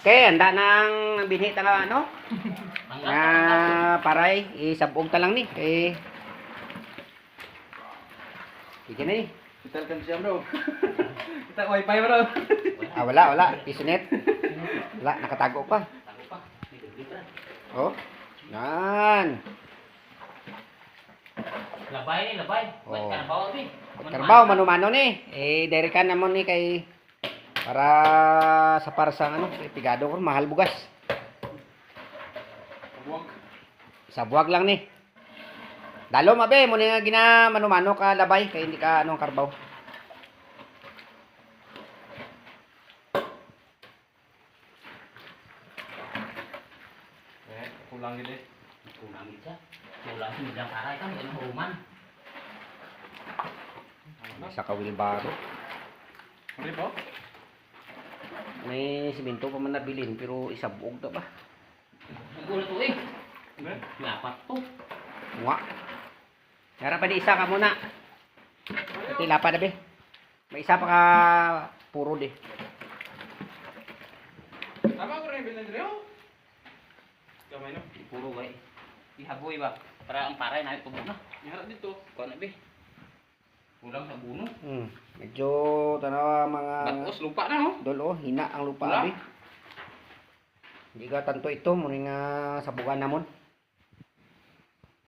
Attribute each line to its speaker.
Speaker 1: Okay, handa nang binhi ta nga ano? Nga paray, isabog ta lang ni. Sige na ni.
Speaker 2: Kita kan siya bro. Kita wifi bro.
Speaker 1: Wala. Pisonet. Wala, nakatago pa. Oh. Yan.
Speaker 3: Labay.
Speaker 1: Oh.
Speaker 3: Karbaw ni.
Speaker 1: Karbaw mano-mano ni. Diri ka namon ni kay para sa parsang ano, kay pigado ko mahal bugas. Sa buwag lang ni. Dalo mabe mo ni nga gina mano-mano ka labay kay hindi ka anong karbaw.
Speaker 2: Kulang gini.
Speaker 3: Kulang siya. Kulang bilang aray kan ini human.
Speaker 1: Isa ka wilbaro.
Speaker 2: Mari po.
Speaker 1: May simento pa man nabilin pero isabog ta ba?
Speaker 3: Gulo to eh. Lapat to.
Speaker 1: Nga. Yara pa di isa ka muna. Ito lapa na be. May isa pa ka puro di.
Speaker 2: Tama ko rin bilang dito. Kamay no.
Speaker 3: Puro gay. Ihaboy ba? Para ang paray na tubo na.
Speaker 2: Iharap dito.
Speaker 3: Kuan na be. Kulang sa buno.
Speaker 1: Medyo tanawa mga
Speaker 3: Batos lupa na no.
Speaker 1: dolo, hina ang lupa
Speaker 3: Wala.
Speaker 1: abi. Hindi ka tanto ito, muna nga sabugan namon.